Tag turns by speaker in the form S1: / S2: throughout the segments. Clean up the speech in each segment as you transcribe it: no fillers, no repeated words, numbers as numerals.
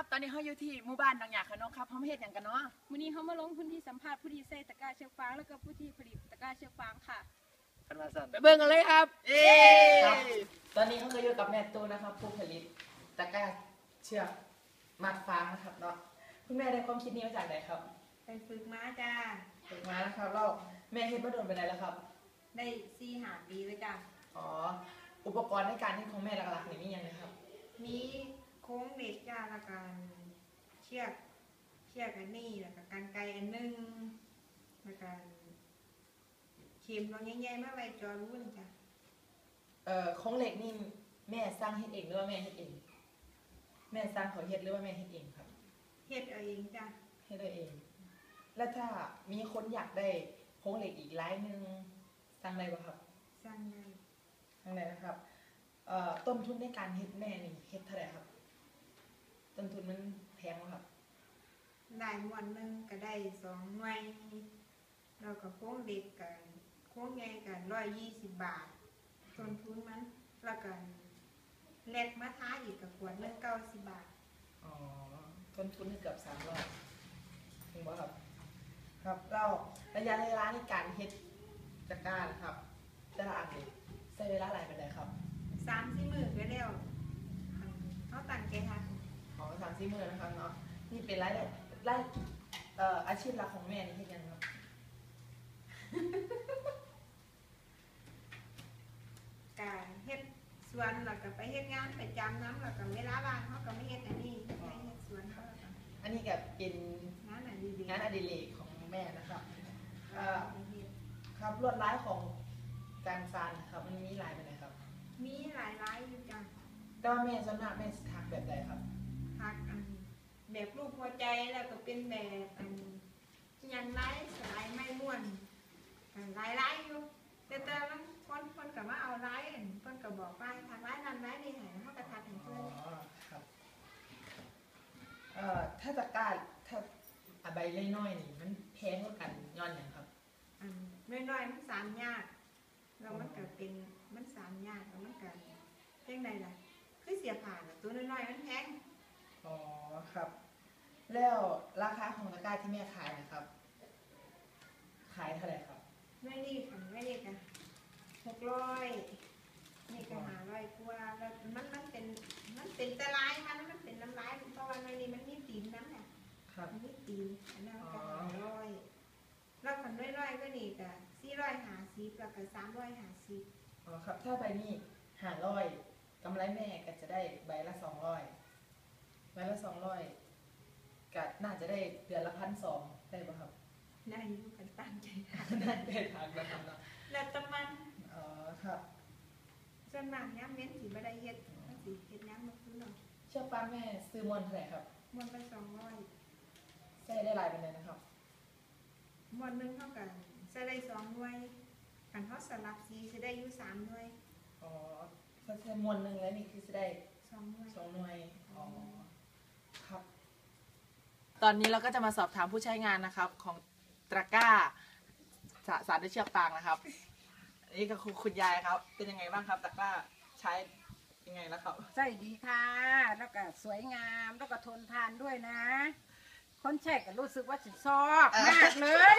S1: ครับตอนนี้เขาอยู่ที่หมู่บ้านบางอย่างค่ะน้องครับเขาไม่เห็นอย่างกันเนาะ
S2: วันนี้เขามาลงพื้นที่สัมภาษณ์ผู้ที่ใส่ตะกร้าเชือกฟางแล้วก็ผู้ที่ผลิตตะกร้าเชือกฟางค่ะ
S1: ไปเบิ่งกันเลยครับ
S3: ครับตอนนี้เขาก็อยู่กับแม่ตูนนะครับผู้ผลิตตะกร้าเชือกมัดฟางนะครับเนาะคุณแม่ได้ความคิดนี้มาจากไหนครับ
S4: ไปฝึกม้าจ้า
S3: ฝึกมานะครับเราแม่เฮ็ดมาโดนไปไหนแล้วครับ
S4: ได้4-5 ปีเลยจ้า
S3: อ๋ออุปกรณ์ในการเฮ็ดของแม่หลักๆนี่มีอย่างไรครับ
S4: มีโค้งเหล็กจ้าแล้วก็เชือกอันนี้แล้วก็กรรไกรอันนึงแล้วก็เข็มเราใหญ่ๆมาไว้จอรุ่นจ้า
S3: ของเหล็กนี่แม่สร้างเฮ็ดเองหรือว่าแม่เฮ็ดเองแม่สร้างเขาเฮ็ดหรือว่าแม่เฮ็ดเองครับ
S4: เฮ็ดเอาเองจ้า
S3: เฮ็ดเองแล้วถ้ามีคนอยากได้โครงเหล็กอีกลายหนึ่งสร้างได้ป่ะครับ
S4: สร้างได้
S3: นะครับต้นทุนในการเฮ็ดแม่นี่เฮ็ดเท่าไหร่ครับต้นทุนมันแพงไหมครับ
S4: ได้ม้วนนึงก็ได้2 หน่วยแล้วก็โค้งเด็กกันโค้งใหญ่กัน120 บาทต้นทุนมันแล้วก็เล็กมาท้าอีกกับขวดนึง90 บาท
S3: อ๋อต้นทุนเกือบ300ถึงบ่ครับครับเราระยะเวลาในการเฮ็ดตะกร้าครับแต่ละอันนี่ใช้เวลาหลายปานใดครับ
S4: 3-4 มื้อก็แล้วเขาตั้งใจทำ
S3: ของ3-4 มื้อนะครับเนาะนี่เป็นรายอาชีพหลักของแม่นี่เฮ็ดยังครับ
S4: การเฮ็ดสวนแล้วก็ไปเฮ็ดงานประจำน้ำแล้วก็เวลาว่างเขาก็ไม่เฮ็ดอันนี้ไปเฮ็ดสวนเขาแล้วก็
S3: อันนี้ก็เป็น
S4: งานอ
S3: ดิเรกของแม่นะครับครับลวดลายของการฟานครับมันมีหลายแบบไหนครับ
S4: มีหลายอยู่จ้ะ
S3: แต่ว่าแม่ส่วนมากแม่ถักแบบใดครับ
S4: ถักแบบรูปหัวใจแล้วก็เป็นแบบยันลายสไลด์ไม่ม้วนลายอยู่แต่ละคนก็มาเอาลายคนก็บอกว่าถักลายนั้นลายนี้ให้เขาก็ถักให้เพื่อน
S3: ครับถ้าตะกร้าถ้าใบน้อยๆนี่มันแพงกว่ากันย้อนอย่างครับ
S4: น้อยๆมันสานยากแล้วมันก็เป็นมันสานยากแล้วมันก็เท่งใดล่ะคือเสียผ่านตัวน้อยๆมันแพง
S3: อ๋อครับแล้วราคาของตะกร้าที่แม่ขายนะครับขายเท่าไหร่ครับ
S4: ไม่นี่กัน600นี่ก็500กว่าแล้วมันเป็นตะไลมันเป็นน้ำลายเพราะว่าในนี้มันมีตีนน้ำเนี่ยมันมีตีนอันนั้นก็500แล้วคนน้อยๆก็นี่ก็450แล้วก็350
S3: อ๋อครับถ้าใบนี้500กำไรแม่ก็จะได้ใบละ200ก็น่าจะได้เดือนละ1,200ได้ป่ะครับ
S4: ได้อยู่กันตั้งใจ
S3: ได้ทางนะครับเนาะ
S4: แล้วตะมัน
S3: อ๋อครับ
S4: ส่วนมากย้ำเน้นสิไม่ได้เฮ็ดมันสิเฮ็ดย้ำมาซื้อเนาะ
S3: เชือกฟางแม่ซื้อมวนเท่าไหร่ครับ
S4: มวนไป200
S3: ใส่ได้หลายเป็นเลยนะครับ
S4: มวนนึงเท่ากันใส่ได้2 หน่วยกันเขาสลับสีจะได้อยู่3 หน่วย
S3: อ๋อถ้าใส่มวนนึงแล้วนี่คือจะได้
S4: 2 หน่วย
S3: อ๋อครับตอนนี้เราก็จะมาสอบถามผู้ใช้งานนะครับของตะกร้าสารด้วยเชือกฟางนะครับนี่ก็คุณยายครับเป็นยังไงบ้างครับตะกร้าใช้ยังไงแล้วครับ
S2: ใช่ดีค่ะแล้วก็สวยงามแล้วก็ทนทานด้วยนะคนแช่ก็รู้สึกว่าฉันชอบมากเลย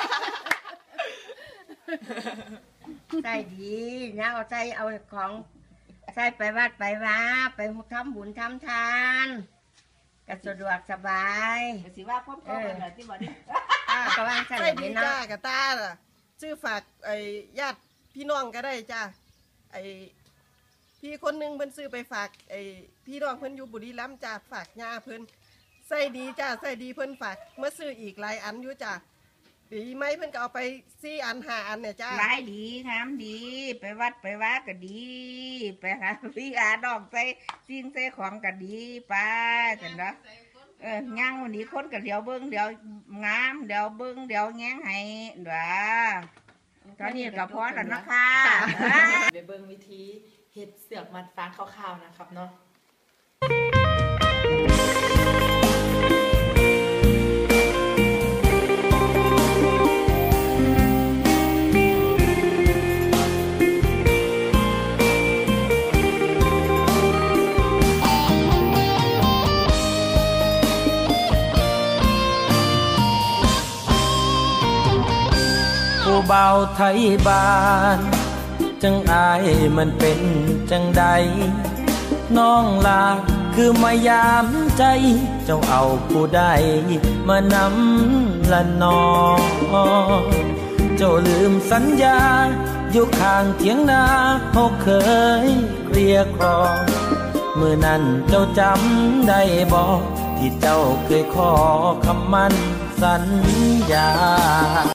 S5: ใช่ดีนะเอาใจเอาของใส่ไปวัดไปว่าไปทำบุญทำทานก็สะดวกสบาย
S2: สิว่าพร้อมๆกันที่บอกนี่
S5: ก็ว่าใช่
S6: ดีจ้ากะตาซื้อฝากญาติพี่น้องก็ได้จ้าพี่คนนึงเพิ่นซื้อไปฝากพี่น้องเพิ่นอยู่บุรีรัมย์จ้าฝากย่าเพิ่นใส่ดีจ้าใส่ดีเพิ่นฝากเมื่อซื้ออีกหลายอันอยู่จ้าปีไหมเพิ่นก็เอาไป4 อัน5 อันเนี่ยจ้า
S5: หลายดีทำดีไปวัดไปว่าก็ดีไปหาพี่อาดอกใส่สิ่งใส่ของก็ดีไปกันเนาะย่างวันนี้คนก็เดี๋ยวเบิ้งเดี๋ยวงามเดี๋ยวเบิ้งเดี๋ยวแง้งให้เด้อตอนนี้ก็พอแล้วนะคะ
S3: ไปเบิ้งวิธีเฮ็ดเสือกมัดฟางคร่าวๆนะครับเนาะ
S7: เบาไทยบ้านจังอายมันเป็นจังใดน้องลาคือมายามใจเจ้าเอาผู้ใดมานำละนอเจ้าลืมสัญญาอยู่ข้างเถียงนาเขาเคยเกลียกรองเมื่อนั้นเจ้าจำได้บอกที่เจ้าเคยขอคำมั่นสัญญา